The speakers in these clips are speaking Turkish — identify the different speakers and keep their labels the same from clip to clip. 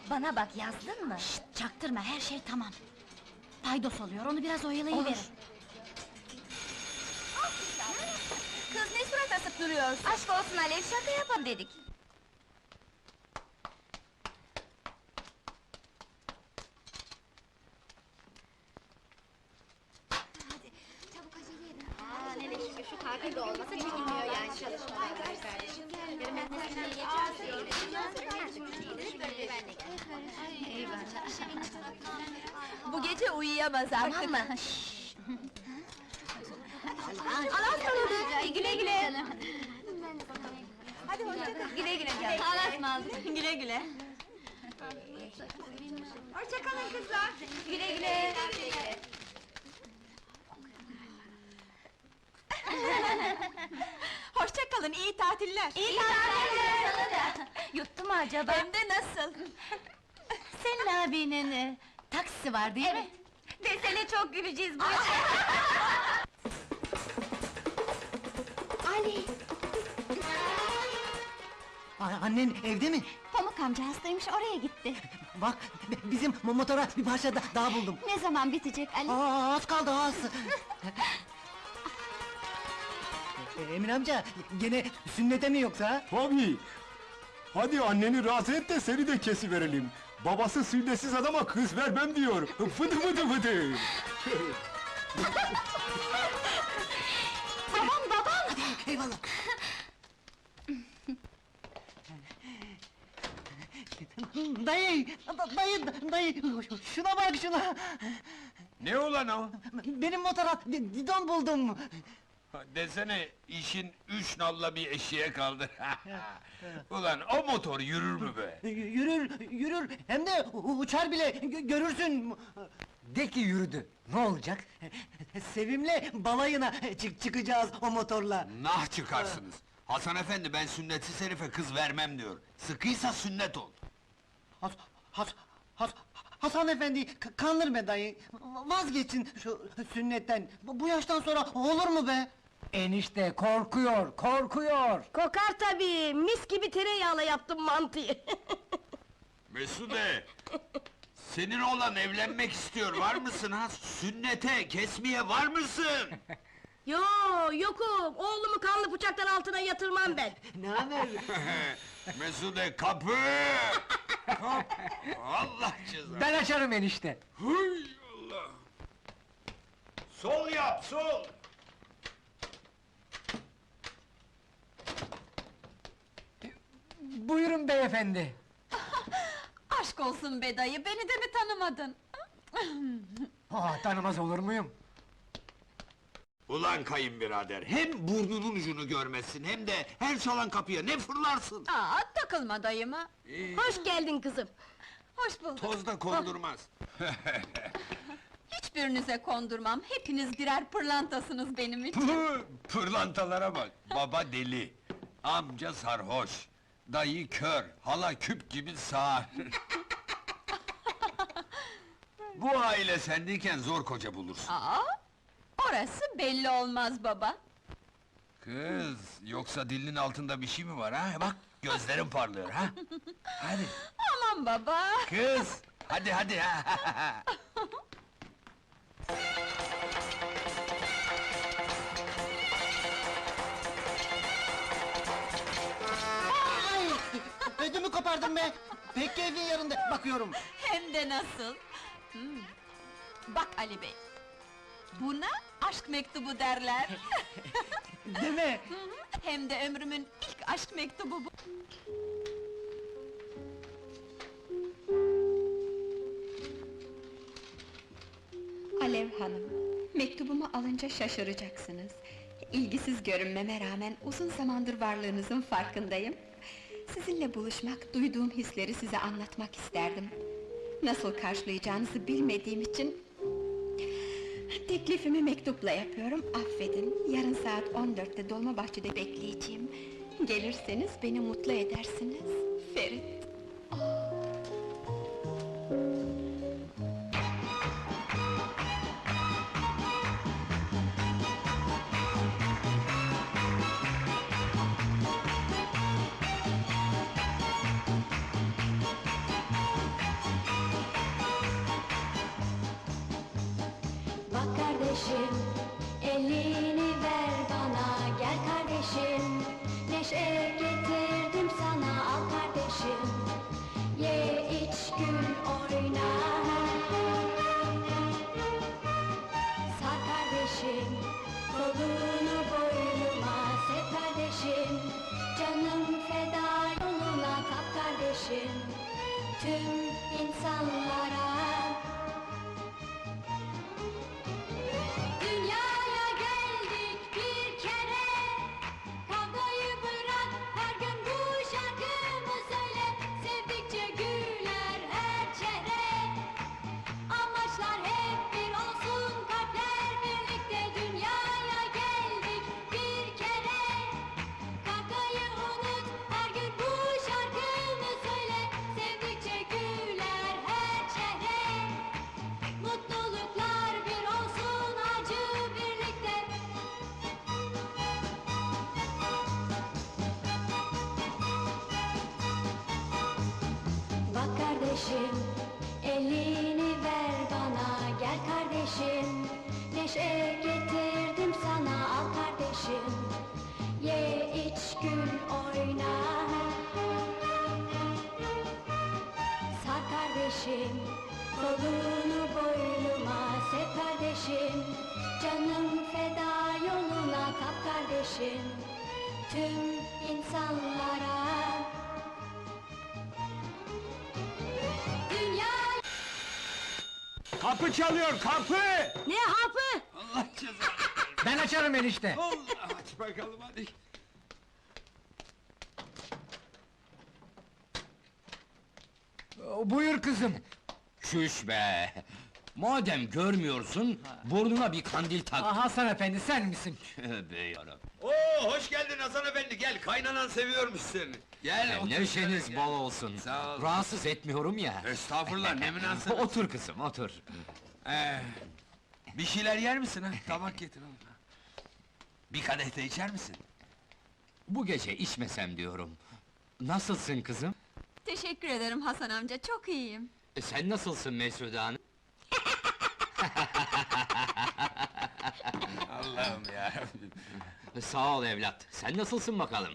Speaker 1: Bana bak, yazdın mı?
Speaker 2: Şşt, çaktırma, her şey tamam. Paydos oluyor, onu biraz oyalayıverin.
Speaker 1: Olur. Kız ne surat asıp duruyorsun? Aşk olsun Alev, şaka yapalım dedik. Hadi, çabuk acele edin.
Speaker 3: Ne de şükür şu tatil de olmasa çekilmiyor yani çalışmalar.
Speaker 1: Bu gece uyuyamaz artık. Tamam mı? Allah'a ısmarladık. Güle güle. Hadi hoşça kal. Güle güle canım. Allah'a ısmarladık. Güle güle. Hoşça kalın kızlar. Güle güle.
Speaker 3: Hoşça kalın, iyi tatiller.
Speaker 1: İyi tatiller sana da. Yuttu mu acaba?
Speaker 3: Hem de nasıl?
Speaker 2: Senin abinin taksisi var değil mi?
Speaker 1: Desene çok güleceğiz bu. Ali!
Speaker 4: Annen evde mi?
Speaker 2: Pamuk amca hastaymış, oraya gitti.
Speaker 4: Bak, bizim motora bir parça daha buldum.
Speaker 2: Ne zaman bitecek Ali?
Speaker 4: Az kaldı, az! Emin amca, gene sünnete mi yoksa?
Speaker 5: Tabii! Hadi anneni razı et de seni de kesiverelim. Babası sünnetsiz adama kız vermem diyor. Fıdı fıdı fıdı!
Speaker 4: Eyvallah! Dayı, dayı, şuna bak şuna!
Speaker 6: Ne ulan o?
Speaker 4: Benim motora didon buldum!
Speaker 6: Desene, işin üç nalla bir eşeğe kaldı. Ulan o motor yürür mü be?
Speaker 4: Yürür, hem de uçar bile, görürsün! De ki yürüdü, ne olacak? Sevimle balayına çıkacağız o motorla!
Speaker 6: Nah çıkarsınız! Hasan efendi, ben sünnetsiz herife kız vermem diyor. Sıkıysa sünnet ol!
Speaker 4: Hasan efendi, kandırma dayı! Vazgeçin şu sünnetten! Bu yaştan sonra olur mu be? Enişte korkuyor!
Speaker 7: Kokar tabii, mis gibi tereyağla yaptım mantıyı.
Speaker 6: Mesude! Senin oğlan evlenmek istiyor, var mısın ha? Sünnete, kesmeye var mısın?
Speaker 7: Yokum, oğlumu kanlı bıçaktan altına yatırmam ben.
Speaker 4: Ne haber?
Speaker 6: Mesude, kapı! Allah cezanı!
Speaker 4: Ben açarım enişte!
Speaker 6: Hıy Allah! Sol yap, sol!
Speaker 4: Buyurun beyefendi!
Speaker 3: Aşk olsun be dayı, beni de mi tanımadın?
Speaker 4: Tanımaz olur muyum?
Speaker 6: Ulan kayınbirader, hem burnunun ucunu görmezsin, hem de her çalan kapıya ne fırlarsın?
Speaker 3: Takılma dayıma.
Speaker 7: Hoş geldin kızım.
Speaker 3: Hoş bulduk.
Speaker 6: Toz da kondurmaz.
Speaker 3: Hiçbirinize kondurmam, hepiniz birer pırlantasınız benim için.
Speaker 6: Püh, pırlantalara bak, baba deli, amca sarhoş, dayı kör, hala küp gibi sağır. Bu aile sendeyken zor koca bulursun.
Speaker 3: Orası belli olmaz baba.
Speaker 6: Kız, yoksa dilinin altında bir şey mi var ha? Bak, gözlerin parlıyor ha? Hadi,
Speaker 3: Aman baba!
Speaker 6: kız, hadi ha!
Speaker 4: Ödümü kopardım be! Pek keyfin yerinde, bakıyorum!
Speaker 3: Hem de nasıl? Bak Ali bey, buna aşk mektubu derler.
Speaker 4: Deme!
Speaker 3: Hem de ömrümün ilk aşk mektubu bu. Alev Hanım, mektubumu alınca şaşıracaksınız. İlgisiz görünmeme rağmen uzun zamandır varlığınızın farkındayım. Sizinle buluşmak, duyduğum hisleri size anlatmak isterdim. Nasıl karşılayacağınızı bilmediğim için... Teklifimi mektupla yapıyorum, affedin. Yarın saat 14'te Dolmabahçe'de bekleyeceğim. Gelirseniz beni mutlu edersiniz. Ferit.
Speaker 1: elini ver bana, gel kardeşim. Neşe getirdim sana, al kardeşim. Ye, iç, gül, oyna. Sar kardeşim, kolunu boynuma sev kardeşim. Canım feda yoluna kap kardeşim. Tüm insanlara. Dünyaya geldik bir kere, kavgayı bırak, her gün bu şarkımı söyle. Sevdikçe güler her çehre, amaçlar hep bir olsun, kalpler birlikte. Dünyaya geldik bir kere, kavgayı unut, her gün bu şarkımı söyle. Sevdikçe güler her çehre, mutluluklar bir olsun, acı birlikte. Bak kardeşim, elini ver bana, gel kardeşim. Neşe getirdim sana, al kardeşim. Ye, iç, gül, oyna. Sar kardeşim, kolunu boynuma sev kardeşim. Canım feda yoluna kap kardeşim. Tüm insanlara. Dünya.
Speaker 6: Kapı çalıyor, kapı!
Speaker 7: Ne hapı?
Speaker 6: Allah cezanı!
Speaker 4: Ben açarım enişte.
Speaker 6: Aç bakalım hadi!
Speaker 4: Buyur kızım.
Speaker 8: Şuş be! Madem görmüyorsun, burnuna bir kandil tak.
Speaker 4: Hasan efendi sen misin?
Speaker 8: Tövbe yarabbim!
Speaker 6: Oo, hoş geldin Hasan efendi, gel, kaynanan seviyormuş seni! Gel, otur
Speaker 8: Neşeniz
Speaker 6: şöyle,
Speaker 8: bol
Speaker 6: gel.
Speaker 8: olsun.
Speaker 6: Sağ ol.
Speaker 8: Rahatsız etmiyorum ya.
Speaker 6: Estağfurullah, ne münasebet!
Speaker 8: Otur kızım, otur.
Speaker 6: Bir şeyler yer misin ha? Tabak getir oğlum. Bir kadeh de içer misin?
Speaker 8: Bu gece içmesem diyorum. Nasılsın kızım?
Speaker 1: Teşekkür ederim Hasan amca, çok iyiyim.
Speaker 8: Sen nasılsın Mesude Hanım?
Speaker 6: Allah'ım yarabbim!
Speaker 8: Sağ ol evlat, sen nasılsın bakalım?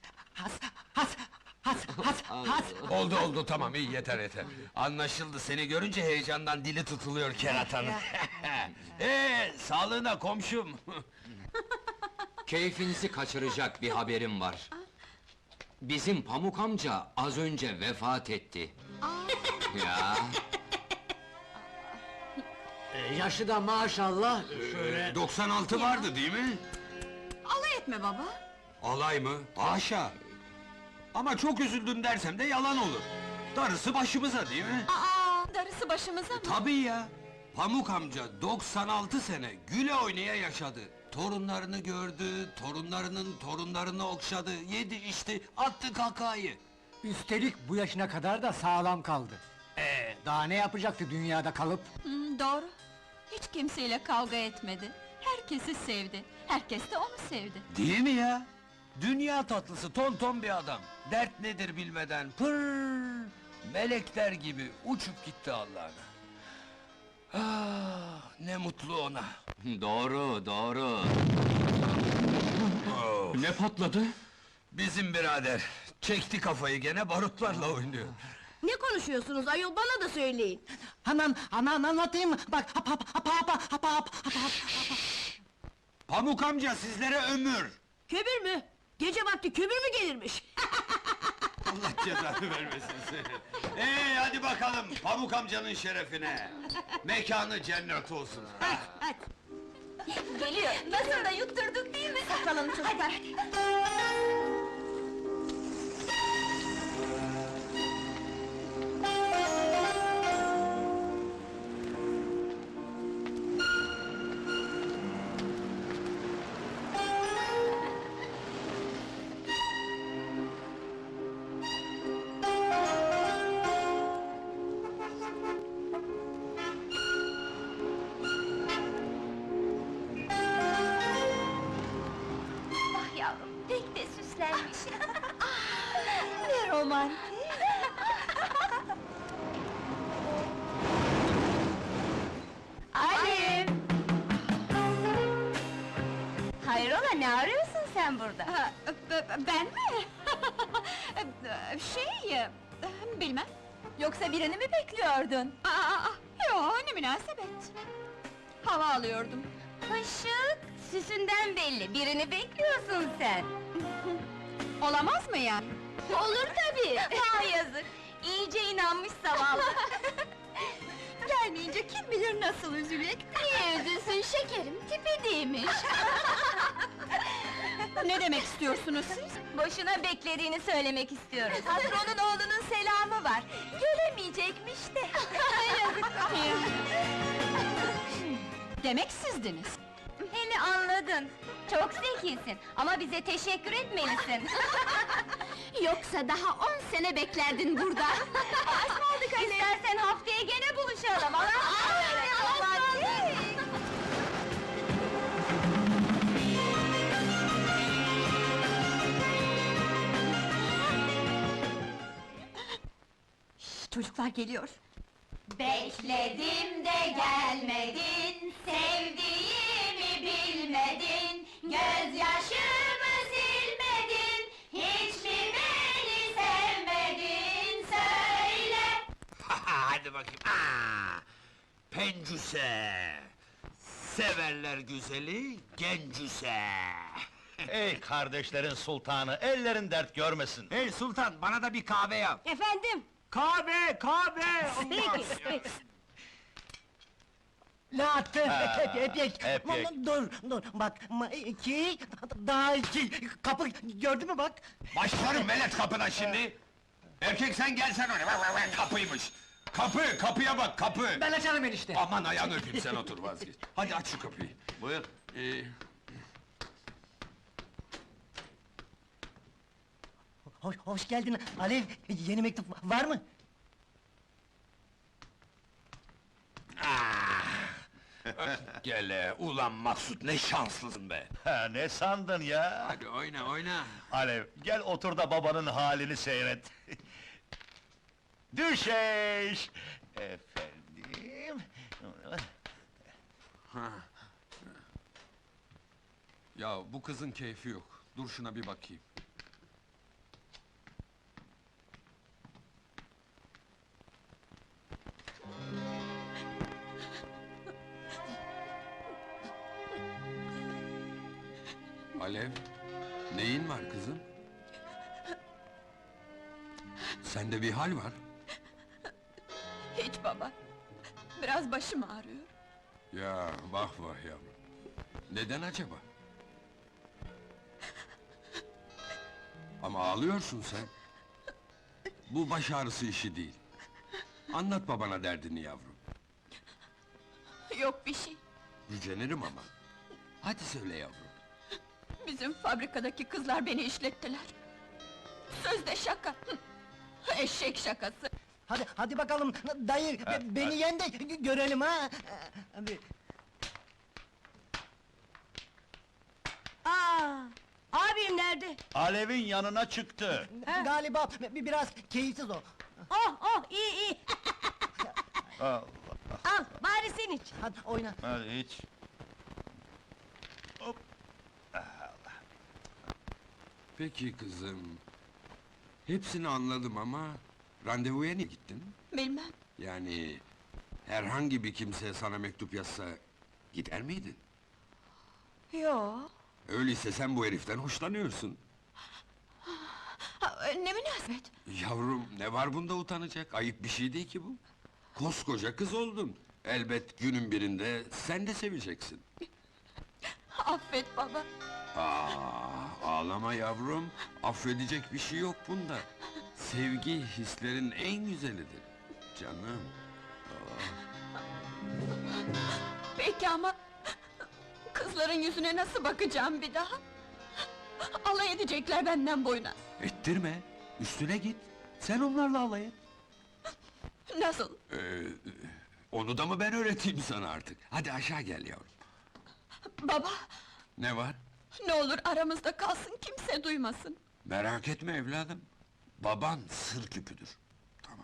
Speaker 6: Oldu, tamam, iyi, yeter. Anlaşıldı, seni görünce heyecandan dili tutuluyor keratanın. Sağlığına komşum!
Speaker 8: Keyfinizi kaçıracak bir haberim var. Bizim Pamuk amca az önce vefat etti. Ya,
Speaker 4: Yaşı da maşallah.
Speaker 6: 96 vardı değil mi?
Speaker 1: Alay etme baba.
Speaker 6: Alay mı? Haşa! Ama çok üzüldüm dersem de yalan olur. Darısı başımıza değil mi?
Speaker 1: Darısı başımıza mı?
Speaker 6: Tabii ya! Pamuk amca 96 sene güle oynaya yaşadı. Torunlarını gördü, torunlarının torunlarını okşadı, yedi içti, attı kakayı.
Speaker 4: Üstelik bu yaşına kadar da sağlam kaldı. Daha ne yapacaktı dünyada kalıp?
Speaker 1: Doğru. Hiç kimseyle kavga etmedi. Herkesi sevdi. Herkes de onu sevdi.
Speaker 6: Değil mi ya? Dünya tatlısı, tonton bir adam. Dert nedir bilmeden, melekler gibi uçup gitti Allah'ına. Ah, ne mutlu ona!
Speaker 8: doğru, doğru. Ne patladı?
Speaker 6: Bizim birader, çekti kafayı gene barutlarla oynuyor.
Speaker 7: Ne konuşuyorsunuz ayol, bana da söyleyin.
Speaker 4: Hemen anlatayım. Bak hap.
Speaker 6: Pamuk amca sizlere ömür!
Speaker 7: Kömür mü? Gece vakti kömür mü gelirmiş?
Speaker 6: Allah cezanı vermesin seni! Hadi bakalım, Pamuk amcanın şerefine! Mekanı cennet olsun!
Speaker 7: Hadi.
Speaker 1: Geliyor. Nasıl da yutturduk değil mi?
Speaker 7: Saklanın çocuklar.
Speaker 1: Ah yavrum, pek de süslenmiş.
Speaker 2: Ne romantik!
Speaker 1: Halim! Ne arıyorsun sen burada?
Speaker 2: Ben mi? Bilmem.
Speaker 1: Yoksa birini mi bekliyordun?
Speaker 2: Yo, ne münasebet. Hava alıyordum.
Speaker 1: Işık, süsünden belli, birini bekliyorsun sen.
Speaker 2: Olamaz mı yani?
Speaker 1: Olur tabii! Ha yazık! İyice inanmış zavallı!
Speaker 2: Gelmeyince kim bilir nasıl üzülecek?
Speaker 1: Niye üzülsün şekerim, tipi değilmiş!
Speaker 2: Ne demek istiyorsunuz siz?
Speaker 1: Boşuna beklediğini söylemek istiyoruz. Patronun oğlunun selamı var. Gelemeyecekmiş de.
Speaker 2: Demek sizdiniz.
Speaker 1: Beni anladın. Çok zekisin ama bize teşekkür etmelisin. Yoksa daha 10 sene beklerdin burada. Asmadık Ali. İstersen haftaya gene buluşalım.
Speaker 2: Çocuklar geliyor.
Speaker 1: Bekledim de gelmedin, sevdiğimi bilmedin, gözyaşımı silmedin, hiç mi beni sevmedin, söyle!
Speaker 6: Hadi bakayım. Pencüse! Severler güzeli, gencüse!
Speaker 9: Ey kardeşlerin sultanı, ellerin dert görmesin.
Speaker 6: Hey sultan, bana da bir kahve yap!
Speaker 7: Efendim?
Speaker 6: Kahve, kahve!
Speaker 7: Peki, peki.
Speaker 4: Latte,
Speaker 9: Ha,
Speaker 4: epek.
Speaker 9: epek.
Speaker 4: Dur, bak, iki, daha iki, kapı, gördün mü bak?
Speaker 6: Başlarım velet kapına şimdi! Erkek sen gelsen oraya, kapıymış! Kapıya bak, kapı!
Speaker 4: Ben açarım enişte.
Speaker 6: Aman ayağını öpeyim, sen otur vazgeç. Hadi aç şu kapıyı.
Speaker 9: Buyur.
Speaker 4: Hoş geldin Alev, yeni mektup var mı?
Speaker 6: Gele, ulan Maksut ne şanslısın be!
Speaker 9: Ha, ne sandın ya?
Speaker 6: Hadi oyna, oyna!
Speaker 9: Alev, gel otur da babanın halini seyret. Düşeş! Efendim...
Speaker 6: Ya bu kızın keyfi yok. Dur şuna bir bakayım. Alev, neyin var kızım? Sende bir hal var.
Speaker 2: Hiç baba. Biraz başım ağrıyor.
Speaker 6: Ya vah vah yavrum. Neden acaba? Ama ağlıyorsun sen. Bu baş ağrısı işi değil. Anlat babana derdini yavrum.
Speaker 2: Yok bir şey.
Speaker 6: Gücenirim ama. Hadi söyle yavrum.
Speaker 2: Bizim fabrikadaki kızlar beni işlettiler. Sözde şaka. Eşek şakası.
Speaker 4: Hadi bakalım, dayı, beni yen de görelim ha! Hadi.
Speaker 7: Abim nerede?
Speaker 9: Alev'in yanına çıktı.
Speaker 4: Galiba biraz keyifsiz o.
Speaker 7: Oh, iyi.
Speaker 9: Al,
Speaker 7: Al, bari sen iç.
Speaker 4: Hadi oyna.
Speaker 9: hadi iç. Hop.
Speaker 6: Peki kızım. Hepsini anladım ama... Randevuya niye gittin?
Speaker 2: Bilmem.
Speaker 6: Yani... Herhangi bir kimse sana mektup yazsa... Gider miydin?
Speaker 2: Yo.
Speaker 6: Öyleyse sen bu heriften hoşlanıyorsun.
Speaker 2: Ne münasebet.
Speaker 6: Yavrum, ne var bunda utanacak? Ayıp bir şey değil ki bu. Koskoca kız oldun. Elbet günün birinde sen de seveceksin.
Speaker 2: Affet baba.
Speaker 6: Ağlama yavrum. Affedecek bir şey yok bunda. Sevgi hislerin en güzelidir. Canım.
Speaker 2: Peki ama... Kızların yüzüne nasıl bakacağım bir daha? Alay edecekler benden boyuna.
Speaker 6: Ettirme. Üstüne git. Sen onlarla alay et.
Speaker 2: Nasıl?
Speaker 6: Onu da mı ben öğreteyim sana artık? Hadi aşağı gel yavrum.
Speaker 2: Baba,
Speaker 6: Ne var?
Speaker 2: ne olur aramızda kalsın, kimse duymasın.
Speaker 6: Merak etme evladım. Baban sır küpüdür. Tamam.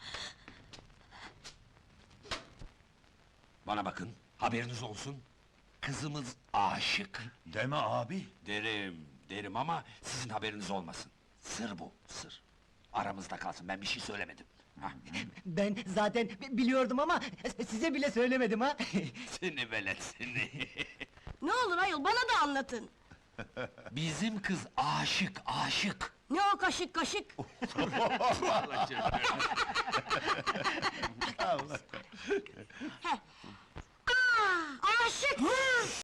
Speaker 6: Bana bakın, haberiniz olsun. Kızımız aşık.
Speaker 9: Deme abi.
Speaker 6: Derim ama sizin haberiniz olmasın. Sır bu, sır. Aramızda kalsın, ben bir şey söylemedim. Hah.
Speaker 4: Ben zaten biliyordum ama size bile söylemedim ha.
Speaker 6: Seni velet seni!
Speaker 7: Ne olur ayol, bana da anlatın!
Speaker 6: Bizim kız aşık, aşık!
Speaker 7: Ne o kaşık kaşık?
Speaker 9: Allah.
Speaker 7: Aşık!